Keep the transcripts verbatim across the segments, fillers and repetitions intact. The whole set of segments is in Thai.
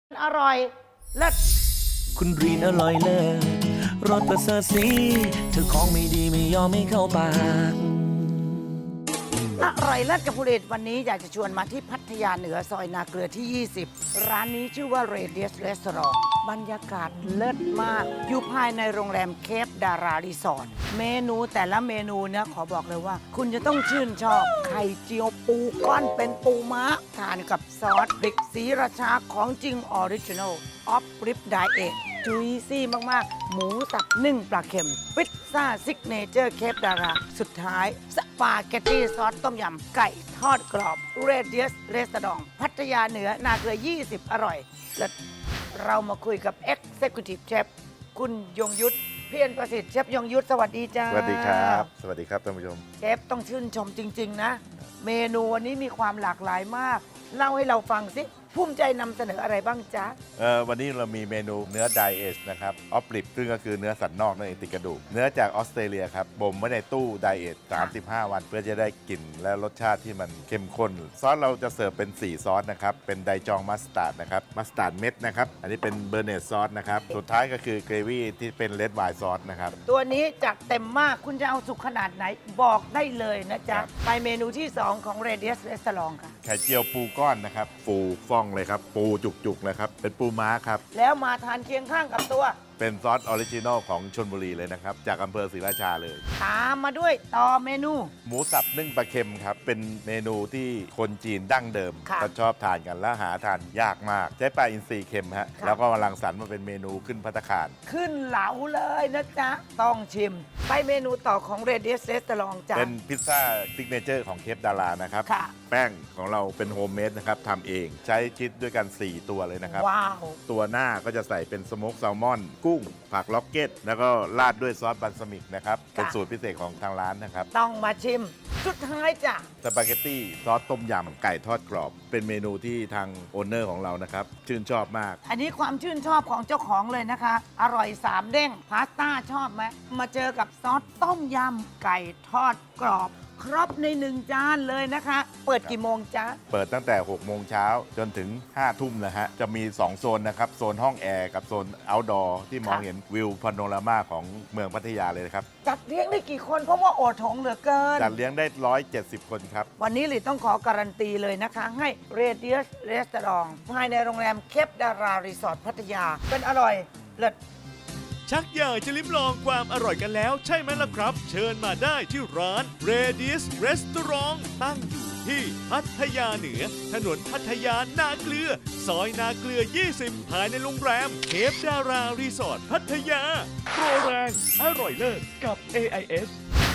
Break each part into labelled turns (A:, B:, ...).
A: อร่อยเลิศ
B: คุณรีนอร่อยเลิศรสประเสริฐสีเธอของไม่ดีไม่ยอมไม่เข้าปาก
A: อร่อยเลิศกับผลิตวันนี้อยากจะชวนมาที่พัทยาเหนือซอยนาเกลือที่ ยี่สิบ ร้านนี้ชื่อว่า Radius Restaurant บรรยากาศเลิศมาก อยู่ภายในโรงแรมเคปดารารีสอร์ทเมนูแต่ละเมนูเนี่ยขอบอกเลยว่า คุณจะต้องชื่นชอบ ไข่เจียวปูก้อนเป็นปูม้า ทานกับซอสพริกสีราชาของจริงออริจินอลออฟริปไดเอทจุยซี่มาก ๆ หมูสับนึ่งปลาเค็มพิซซ่าซิกเนเจอร์เคปดารา สุดท้ายสปาเกตตี้ซอสต้มยำไก่ทอดกรอบ Radius Restaurant พัทยาเหนือนาเกลือ ยี่สิบ อร่อยและเรามาคุยกับ Executive Chef คุณยงยุทธเพียรประสิทธิ์เชฟยงยุทธสวัสดีจ้า
C: สวัสดีครับ สวัสดีครับท่านผู้ชม
A: เชฟต้องชื่นชมจริง ๆ นะ เมนูวันนี้มีความหลากหลายมาก เล่าให้เราฟังสิภูมิใจนำเสนออะไรบ้างจ๊ะ
C: เอ่อวันนี้เรามีเมนูเนื้อไดเอชนะครับออฟลิปซึ่งก็คือเนื้อสันนอกนั่นเองติดกระดูก เนื้อจากออสเตรเลียครับบ่มไว้ในตู้ไดเอชสามสิบห้าวัน เพื่อจะได้กลิ่นและรสชาติที่มันเข้มข้น ซอสเราจะเสิร์ฟเป็น สี่ ซอสนะครับ เป็นไดจองมัสตาร์ดนะครับ มัสตาร์ดเม็ดนะครับ อันนี้เป็นเบอร์เนตซอสนะครับ สุดท้ายก็คือเกรวี่ที่เป็นเลดไวน์ซอสนะครับ
A: ตัวนี้จัดเต็มมากคุณจะเอาสุกขนาดไหนบอกได้เลยนะจ๊ะ
C: ครับ
A: ไปเมนูที่ สอง ของ Radius Restaurant ค่ะ
C: ไข่เจียวปูก้อนนะครับ ปูฟ่องเลยครับ ปูจุกๆนะครับ เป็นปูม้าครับ
A: แล้วมาทานเคียงข้างกับตัว
C: เป็นซอสออริจินอลของชลบุรีเลยนะครับ จากอำเภอศรีราชาเลย
A: ตามมาด้วยต่อเมนู
C: หมูสับนึ่งปลาเค็มครับ เป็นเมนูที่คนจีนดั้งเดิม
A: ค่ะ
C: ก็ชอบทานกันและหาทานยากมาก ใช้ปลาอินทรีเค็มฮะ
A: ค่ะ
C: แล้วก็มารังสรรค์มาเป็นเมนูขึ้นภัตตาคาร
A: ขึ้นเหลาเลยนะจ๊ะ ต้องชิม ไปเมนูต่อของ Radius Restaurant จ้ะ
C: เป็นพิซซ่าซิกเนเจอร์ของเคปดารานะครับ
A: ค่ะ
C: แป้งของเราเป็นโฮมเมดนะครับทำเอง ใช้ชีสด้วยกัน สี่ ตัวเลยนะครับ
A: ว้าว
C: ตัวหน้าก็จะใส่เป็นสโมกแซลมอน กุ้ง ผักล็อกเก็ต แล้วก็ราดด้วยซอสบัลซามิกนะครับ เป็นสูตรพิเศษของทางร้านนะครับ
A: ต้องมาชิม สุดท้ายจ้ะ
C: สปาเกตตี้ซอสต้มยำไก่ทอดกรอบ เป็นเมนูที่ทางโอนเนอร์ของเรานะครับ ชื่นชอบมาก
A: อันนี้ความชื่นชอบของเจ้าของเลยนะคะ อร่อยสามเด้งพาสต้าชอบไหมมาเจอกับซอสต้มยำไก่ทอดกรอบ ครบในหนึ่งจานเลยนะคะ เปิดกี่โมงจ๊ะ
C: เปิดตั้งแต่ หก โมงเช้าจนถึง ห้า ทุ่มนะฮะ จะมี สอง โซนนะครับ โซนห้องแอร์กับโซน outdoor ที่มอง
A: ค่ะ
C: เห็นวิวพาโนรามาของเมืองพัทยาเลยนะครับ
A: จัดเลี้ยงได้กี่คนเพราะว่าโอโถงเหลือเกิน
C: จัดเลี้ยงได้ หนึ่งร้อยเจ็ดสิบ คนครับ
A: วันนี้หลีต้องขอการันตีเลยนะคะ ให้ Radius Restaurant ภายในโรงแรมเคปดารารีสอร์ทพัทยา เป็นอร่อยเลิศ
D: ชักอยากจะลิ้มลองความอร่อยกันแล้วใช่ไหมล่ะครับ เชิญมาได้ที่ร้าน Radius Restaurant ตั้งอยู่ที่พัทยาเหนือ ถนนพัทยานาเกลือ ซอยนาเกลือ ยี่สิบ ภายในโรงแรมเคปดารารีสอร์ทพัทยา โปรแรงอร่อยเลิศกับ เอ ไอ เอส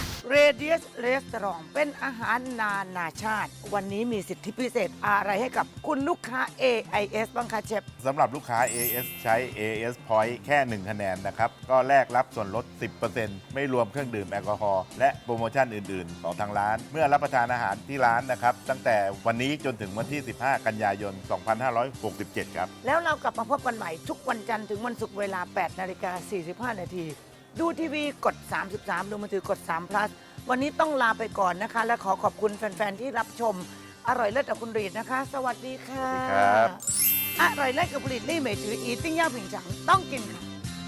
A: Radius Restaurant เป็นอาหารนานาชาติ วันนี้มีสิทธิพิเศษอะไรให้กับคุณลูกค้า เอ ไอ เอส บ้างคะเชฟ
C: สำหรับลูกค้า เอ เอส ใช้ เอ เอส Point แค่ หนึ่ง คะแนนนะครับ ก็แลกรับส่วนลด สิบเปอร์เซ็นต์ ไม่รวมเครื่องดื่มแอลกอฮอล์และโปรโมชั่นอื่น ๆ ของทางร้าน เมื่อรับประทานอาหารที่ร้านนะครับ ตั้งแต่วันนี้จนถึงวันที่ สิบห้า กันยายน สองพันห้าร้อยหกสิบเจ็ด ครับ
A: แล้วเรากลับมาพบกันใหม่ทุกวันจันทร์ถึงวันศุกร์เวลา แปดนาฬิกาสี่สิบห้า นาที ดูทีวีกด สามสิบสาม ดูมือถือกด สาม plus วันนี้ต้องลาไปก่อนนะคะ และขอขอบคุณแฟน ๆ ที่รับชม อร่อยเลิศกับคุณรีดนะคะ สวัสดีค่ะ
C: สวัสดีครับ
A: อร่อยเลิศกับคุณรีดนี่เมจืออีติ้งย่าผิงฉังต้องกินค่ะ